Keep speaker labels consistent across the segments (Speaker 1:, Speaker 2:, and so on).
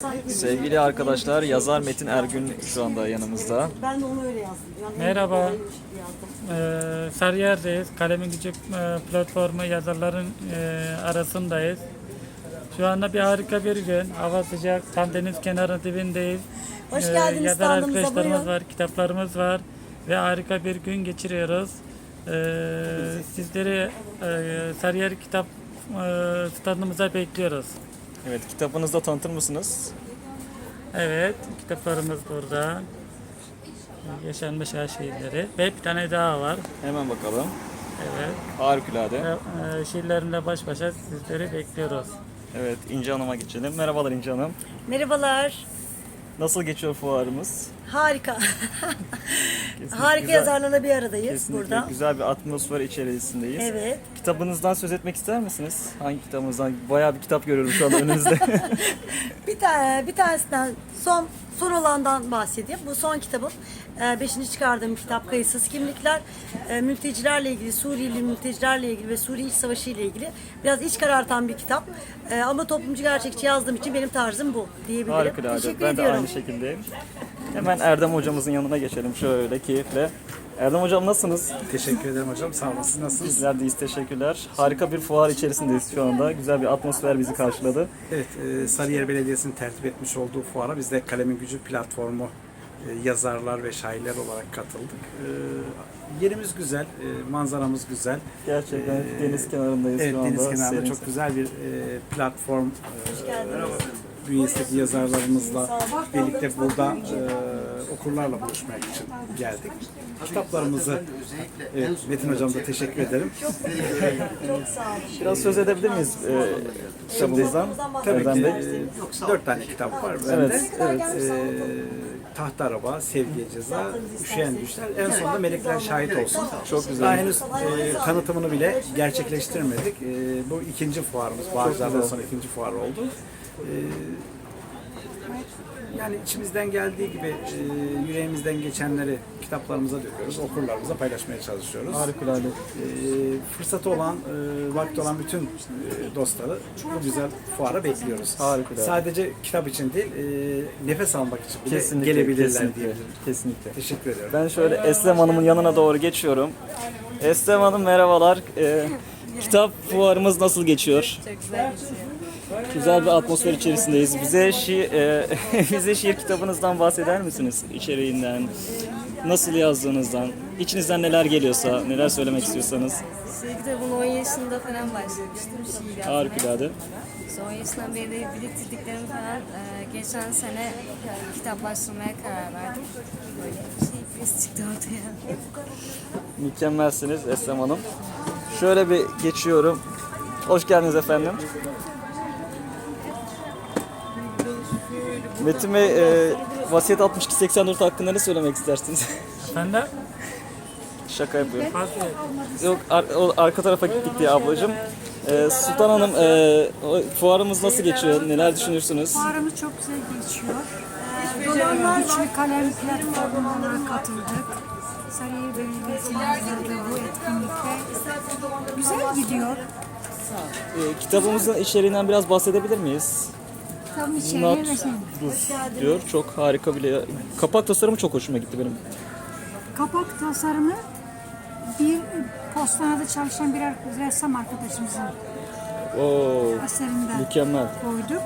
Speaker 1: Sevgili arkadaşlar, yazar Metin Ergün şu anda yanımızda.
Speaker 2: Ben de onu öyle yazdım. Yani
Speaker 3: Merhaba.
Speaker 2: yazdım.
Speaker 3: Sarıyer'deyiz. Kalemin Gücü platformu yazarların arasındayız. Şu anda harika bir gün. Hava sıcak. Tam deniz kenarı dibindeyiz.
Speaker 2: Hoş geldiniz
Speaker 3: Yazar
Speaker 2: standımıza,
Speaker 3: arkadaşlarımız
Speaker 2: buyurun.
Speaker 3: var, kitaplarımız var. Ve harika bir gün geçiriyoruz. Sizleri Sarıyer kitap standımıza bekliyoruz.
Speaker 1: Evet, kitabınızı da tanıtır mısınız?
Speaker 3: Evet, kitaplarımız burada. Yaşanmış her şiirleri. Ve bir tane daha var.
Speaker 1: Hemen bakalım.
Speaker 3: Evet.
Speaker 1: Harikulade.
Speaker 3: Şiirlerimle baş başa sizleri bekliyoruz.
Speaker 1: Evet, İnce Hanım'a geçelim. Merhabalar İnce Hanım.
Speaker 2: Merhabalar.
Speaker 1: Nasıl geçiyor fuarımız?
Speaker 2: Harika.
Speaker 1: Kesinlikle
Speaker 2: Harika
Speaker 1: güzel.
Speaker 2: yazarlarla bir aradayız
Speaker 1: Kesinlikle
Speaker 2: burada.
Speaker 1: güzel bir atmosfer içerisindeyiz.
Speaker 2: Evet.
Speaker 1: Kitabınızdan söz etmek ister misiniz? Hangi kitabınızdan? Bayağı bir kitap görüyorum şu anda önünüzde.
Speaker 2: Bir tanesinden son olandan bahsedeyim. Bu son kitabım. 5. çıkardığım kitap Kayıtsız Kimlikler. Mültecilerle ilgili, Suriyeli mültecilerle ilgili ve Suriye İç Savaşı ile ilgili biraz iç karartan bir kitap. Ama toplumcu gerçekçi yazdığım için benim tarzım bu diyebilirim.
Speaker 1: Harikulade.
Speaker 2: Teşekkür
Speaker 1: Ben de
Speaker 2: ediyorum.
Speaker 1: aynı şekildeyim. Hemen Erdem hocamızın yanına geçelim şöyle keyifle. Erdem hocam nasılsınız?
Speaker 4: Teşekkür ederim hocam. Sağ olun. Siz nasılsınız?
Speaker 1: Bizler deyiz, teşekkürler. Harika bir fuar içerisindeyiz şu anda. Güzel bir atmosfer bizi karşıladı.
Speaker 4: Evet, Sarıyer Belediyesi'nin tertip etmiş olduğu fuara biz de Kalemin Gücü platformu yazarlar ve şairler olarak katıldık. Yerimiz güzel, manzaramız güzel.
Speaker 1: Gerçekten deniz kenarındayız
Speaker 4: Evet,
Speaker 1: şu anda.
Speaker 4: deniz kenarında
Speaker 1: Serin.
Speaker 4: çok güzel bir platform bünyesindeki yazarlarımızla birlikte burada okurlarla buluşmak için geldik. Kitaplarımızı, evet, Metin Hocam da teşekkür ederim.
Speaker 2: Çok sağ olun.
Speaker 1: Biraz söz edebilir miyiz kitabımızdan?
Speaker 4: Tabii
Speaker 1: Erdem
Speaker 4: ki
Speaker 1: Bey.
Speaker 4: 4 tane kitap var bende. Tahta Araba, Sevgiye Ceza, Üşüyen Düşler, en sonunda Melekler Şahit Olsun.
Speaker 1: Çok güzel.
Speaker 4: Daha henüz tanıtımını bile gerçekleştirmedik. Bu ikinci fuarımız, Bağcılar'dan sonra ikinci fuar oldu. Yani içimizden geldiği gibi yüreğimizden geçenleri kitaplarımıza döküyoruz, okurlarımıza paylaşmaya çalışıyoruz.
Speaker 1: Harikulade.
Speaker 4: Fırsatı olan, vakti olan bütün dostları bu güzel fuara bekliyoruz.
Speaker 1: Harikulade.
Speaker 4: Sadece kitap için değil, nefes almak için bile
Speaker 1: Kesinlikle,
Speaker 4: gelebilirler
Speaker 1: kesinlikle,
Speaker 4: diyebilirim.
Speaker 1: kesinlikle.
Speaker 4: Teşekkür ediyorum.
Speaker 1: Ben şöyle Eslem Hanım'ın yanına doğru geçiyorum. Eslem Hanım merhabalar. Kitap fuarımız nasıl geçiyor?
Speaker 5: Çok güzel geçiyor.
Speaker 1: Güzel bir atmosfer içerisindeyiz. Bize şiir kitabınızdan bahseder misiniz? İçeriğinden, nasıl yazdığınızdan, içinizden neler geliyorsa, neler söylemek istiyorsanız.
Speaker 5: Şiir kitabını 10 yaşında falan başlamıştım şiir yazmaya.
Speaker 1: Harikulade.
Speaker 5: İşte 10 yaşından beri de biriktirdiklerimi falan geçen sene kitaplaştırmaya karar verdim. Böyle bir birisi çıktı ortaya.
Speaker 1: Mükemmelsiniz Eslem Hanım. Şöyle bir geçiyorum. Hoş geldiniz efendim. Metin Bey, Vasiyet 6284 hakkında ne söylemek istersiniz?
Speaker 3: Ben de
Speaker 1: Şaka yapıyorum.
Speaker 3: fazla
Speaker 1: Yok, o arka tarafa gittik diye ablacığım. Sultan Hanım, fuarımız nasıl geçiyor? Neler düşünürsünüz?
Speaker 6: Fuarımız çok güzel geçiyor. Güçlü Kalem platformuna katıldık. Sarıyer Belediyesi'nin hazırladığı bu etkinlikte güzel gidiyor.
Speaker 1: Kitabımızın içeriğinden biraz bahsedebilir miyiz?
Speaker 6: Tam içeriye
Speaker 1: Not
Speaker 6: ve şey.
Speaker 1: diyor. Çok harika bile. Kapak tasarımı çok hoşuma gitti benim.
Speaker 6: Kapak tasarımı bir postanede çalışan bir ressam arkadaşımızın
Speaker 1: Oo,
Speaker 6: eserinden
Speaker 1: mükemmel.
Speaker 6: koyduk.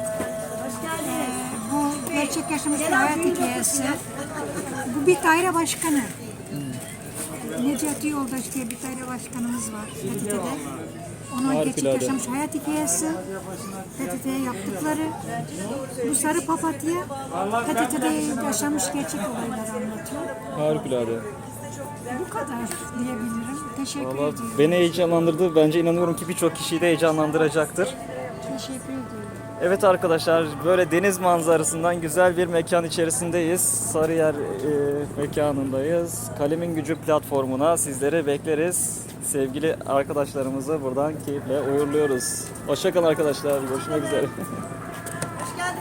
Speaker 6: Bu gerçek yaşamış bir hayat hikayesi. Bu bir daire başkanı. Necati Yoldaş diye bir daire başkanımız var PTT'de. Onun gerçek
Speaker 1: Harikulade.
Speaker 6: yaşamış hayat hikayesi, PTT'ye yaptıkları, bu sarı papatya PTT'de yaşamış gerçek olayları anlatıyor.
Speaker 1: Harikulade.
Speaker 6: Bu kadar diyebilirim. Teşekkür
Speaker 1: Vallahi
Speaker 6: ediyorum.
Speaker 1: beni heyecanlandırdı. Bence inanıyorum ki birçok kişiyi de heyecanlandıracaktır.
Speaker 6: Teşekkür ediyorum.
Speaker 1: Evet arkadaşlar, böyle deniz manzarasından güzel bir mekan içerisindeyiz. Sarıyer mekanındayız. Kalemin Gücü platformuna sizleri bekleriz. Sevgili arkadaşlarımızı buradan keyifle uğurluyoruz. Hoşça kalın arkadaşlar. Görüşmek üzere.